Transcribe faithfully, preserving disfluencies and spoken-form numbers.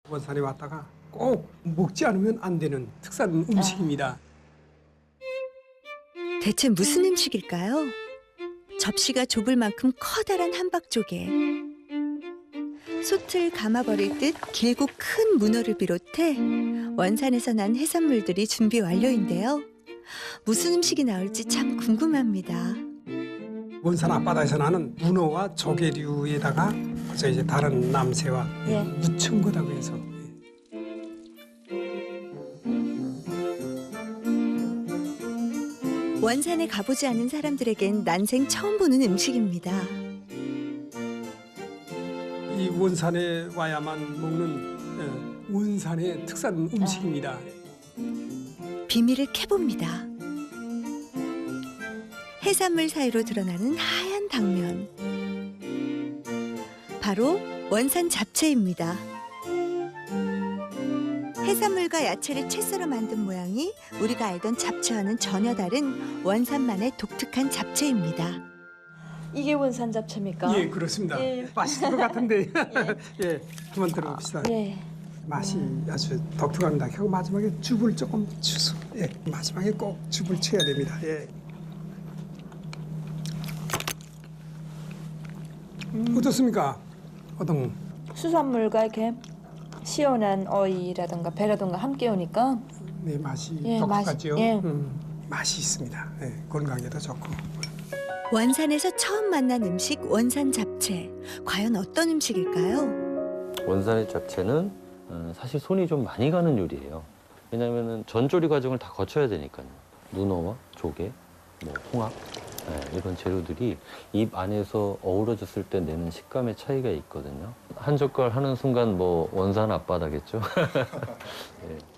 원산에 왔다가 꼭 먹지 않으면 안 되는 특산 음식입니다. 대체 무슨 음식일까요? 접시가 좁을 만큼 커다란 함박조개. 솥을 감아버릴 듯 길고 큰 문어를 비롯해 원산에서 난 해산물들이 준비 완료인데요. 무슨 음식이 나올지 참 궁금합니다. 원산 앞바다에서 나는 문어와 조개류에다가 저 이제 다른 남새와 예. 무친 거다고 해서 원산에 가보지 않은 사람들에겐 난생 처음 보는 음식입니다. 이 원산에 와야만 먹는 예, 원산의 특산 음식입니다. 비밀을 캐봅니다. 해산물 사이로 드러나는 하얀 당면. 바로 원산 잡채입니다. 해산물과 야채를 채 썰어 만든 모양이 우리가 알던 잡채와는 전혀 다른 원산만의 독특한 잡채입니다. 이게 원산 잡채입니까? 예, 그렇습니다. 예. 맛있을 것 같은데 예, 한번 들어봅시다. 예. 맛이 아주 독특합니다. 결국 마지막에 죽을 조금 주소. 예, 마지막에 꼭 죽을 쳐야 됩니다. 예. 음. 어떻습니까? 어떤 수산물과 이렇게 시원한 어이라든가 배라든가 함께 오니까 네, 맛이 예, 독특하죠. 맛이- 예. 음, 맛이 있습니다. 예, 건강에도 좋고. 원산에서 처음 만난 음식 원산 잡채. 과연 어떤 음식일까요? 원산의 잡채는 어, 사실 손이 좀 많이 가는 요리예요. 왜냐하면 전조리 과정을 다 거쳐야 되니까요. 문어와 조개, 뭐 홍합 네, 이런 재료들이 입 안에서 어우러졌을 때 내는 식감의 차이가 있거든요. 한 젓갈 하는 순간 뭐 원산 앞바다겠죠. 네.